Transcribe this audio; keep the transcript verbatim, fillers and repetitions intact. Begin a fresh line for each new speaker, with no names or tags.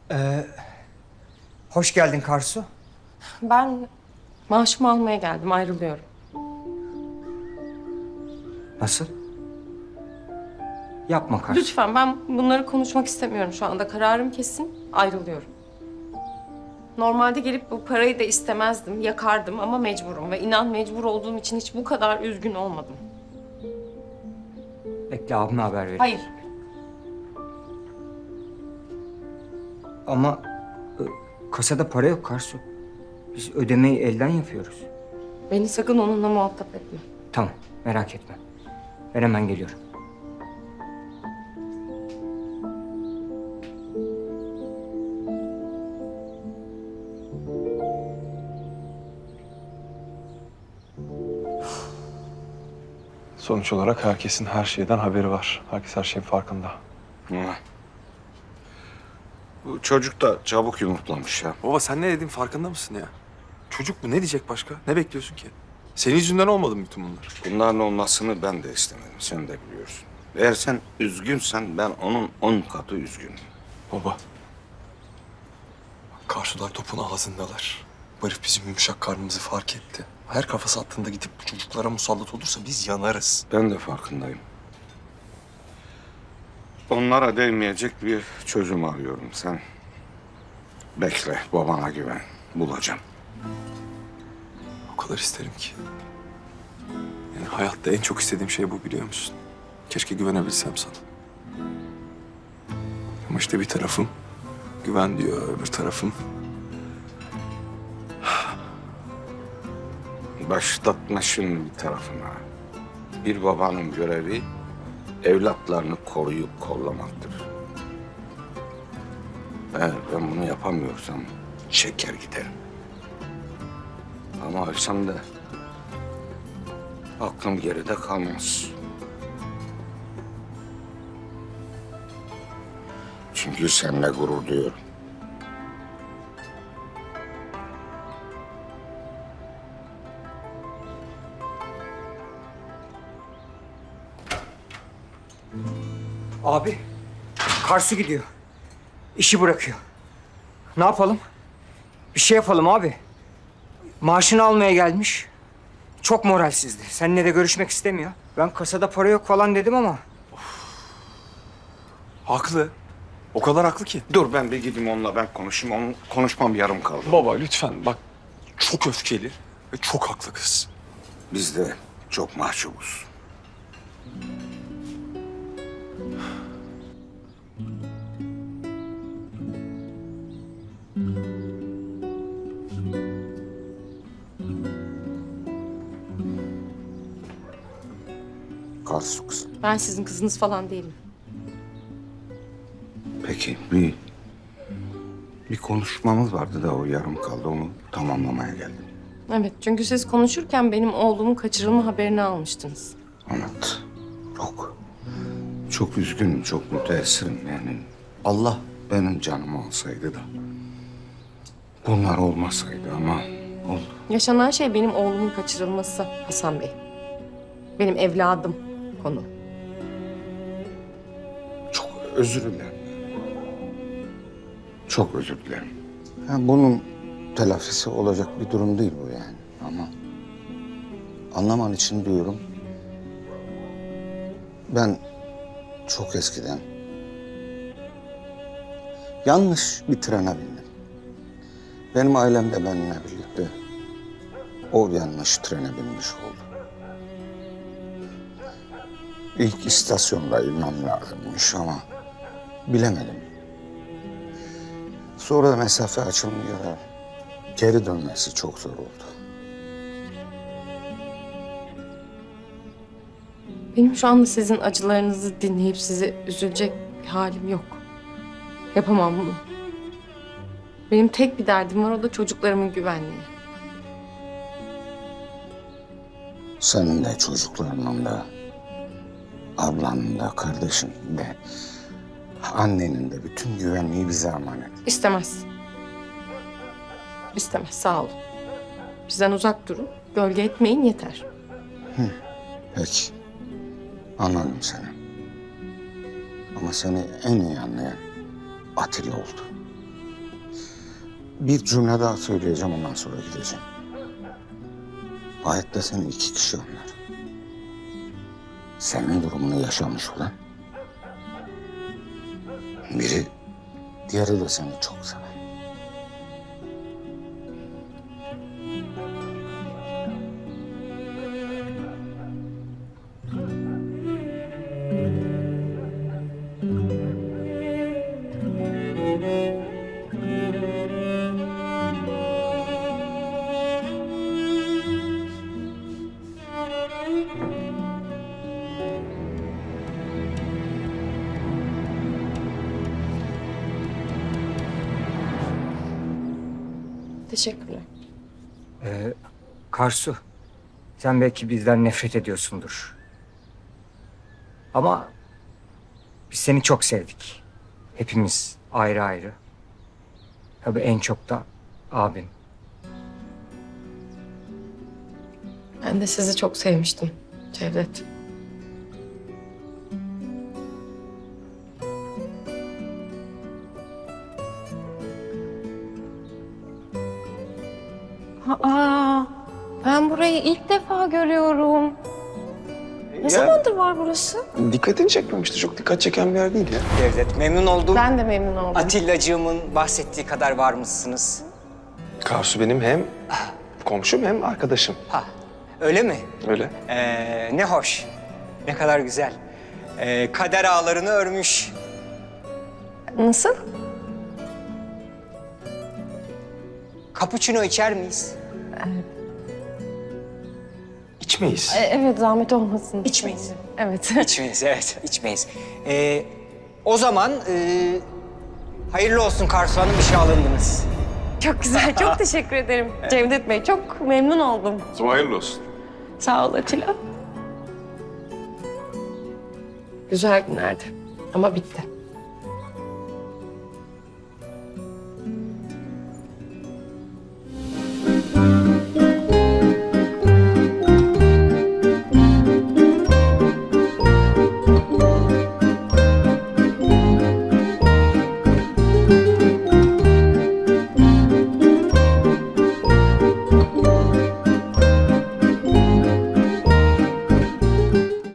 Ee, hoş geldin Karsu.
Ben maaşımı almaya geldim, ayrılıyorum.
Nasıl? Yapma Karsu.
Lütfen, ben bunları konuşmak istemiyorum şu anda. Kararım kesin, ayrılıyorum. Normalde gelip bu parayı da istemezdim, yakardım ama mecburum. Ve inan mecbur olduğum için hiç bu kadar üzgün olmadım.
Bekle abime haber vereyim.
Hayır,
Ama e, kasada para yok Karsu. Biz ödemeyi elden yapıyoruz.
beni sakın onunla muhatap etme.
Tamam, merak etme. Ben hemen geliyorum.
Sonuç olarak herkesin her şeyden haberi var. Herkes her şeyin farkında.
Ha. Bu çocuk da çabuk yumurtlamış ya.
Baba sen ne dediğin farkında mısın ya? Çocuk bu ne diyecek başka? Ne bekliyorsun ki? Senin yüzünden olmadı mı bütün bunlar?
Bunların olmasını ben de istemedim. Sen de biliyorsun. Eğer sen üzgünsen ben onun on katı üzgünüm.
Baba. Karsular topun ağzındalar. Bu herif bizim yumuşak karnımızı fark etti. Her kafası attığında gidip bu çocuklara musallat olursa biz yanarız.
Ben de farkındayım. Onlara değmeyecek bir çözüm arıyorum. Sen bekle, babana güven. Bulacağım.
O kadar isterim ki. Yani hayatta en çok istediğim şey bu, biliyor musun? Keşke güvenebilsem sana. Ama işte bir tarafım güven diyor, öbür tarafım
Başlatma şimdi bir tarafına. Bir babanın görevi evlatlarını koruyup kollamaktır. Eğer ben bunu yapamıyorsam çeker giderim. Ama ölsem de aklım geride kalmaz. Çünkü seninle gurur duyuyorum.
Abi, Karsu gidiyor. İşi bırakıyor. Ne yapalım? Bir şey yapalım abi. Maaşını almaya gelmiş. Çok moralsizdi. Seninle de görüşmek istemiyor. Ben kasada para yok falan dedim ama...
haklı. O kadar haklı ki.
Dur ben bir gideyim onunla ben konuşayım. Onun konuşmam yarım kaldı.
Baba lütfen bak, çok öfkeli ve çok haklı kız.
Biz de çok mahcubuz. Karsu kız.
Ben sizin kızınız falan değilim.
Peki bir bir konuşmamız vardı da o yarım kaldı. Onu tamamlamaya geldim.
Evet, çünkü siz konuşurken benim oğlumun kaçırılma haberini almıştınız.
Anlat. Çok, çok üzgünüm, çok müteessirim yani. Allah benim canımı alsaydı da bunlar olmasaydı ama oldu.
Yaşanan şey benim oğlumun kaçırılması Hasan Bey. Benim evladım konu.
Çok özür dilerim. Çok özür dilerim. Ha, bunun telafisi olacak bir durum değil bu yani ama anlaman için diyorum. Ben çok eskiden yanlış bir trene bindim. Benim ailem de benimle birlikte o yanlış trene binmiş oldu. İlk istasyonda inmem lazımmış ama bilemedim. Sonra da mesafe açılınca geri dönmesi çok zor oldu.
Benim şu anda sizin acılarınızı dinleyip sizi üzülecek bir halim yok. Yapamam bunu. Benim tek bir derdim var, o da çocuklarımın güvenliği.
Senin de çocuklarının da, ablanın da, kardeşin de, annenin de bütün güvenliği bize emanet.
İstemez. İstemez, sağ olun. Bizden uzak durun, gölge etmeyin yeter.
Peki, anladım seni. Ama seni en iyi anlayan Atilla oldu. Bir cümle daha söyleyeceğim, ondan sonra gideceğim. Hayatta senin iki kişi onlar. Senin durumunu yaşamış olan. Biri, diğeri de seni çok seven.
Teşekkürler.
Ee, Karsu, sen belki bizden nefret ediyorsundur. Ama biz seni çok sevdik. Hepimiz ayrı ayrı. Tabii en çok da abim.
Ben de sizi çok sevmiştim Cevdet. Aa, ben burayı ilk defa görüyorum. Ne zamandır var burası?
Dikkatini çekmemişti. Çok dikkat çeken bir yer değil ya.
Devlet, memnun oldum.
Ben de memnun oldum.
Atillacığımın bahsettiği kadar var mısınız?
Karsu benim hem komşum hem arkadaşım.
Ha, öyle mi?
Öyle.
Ee, ne hoş. Ne kadar güzel. Ee, kader ağlarını örmüş.
Nasıl?
Cappuccino içer miyiz?
İçmeyiz.
E, evet, zahmet olmasın.
İçmeyiz.
Evet.
İçmeyiz, evet. içmeyiz. Ee, o zaman e, hayırlı olsun Karsu Hanım, işe alındınız.
Çok güzel, çok teşekkür ederim Cevdet Bey. Çok memnun oldum.
Hayırlı olsun.
Sağ ol Atilla. Güzel günlerdi ama bitti.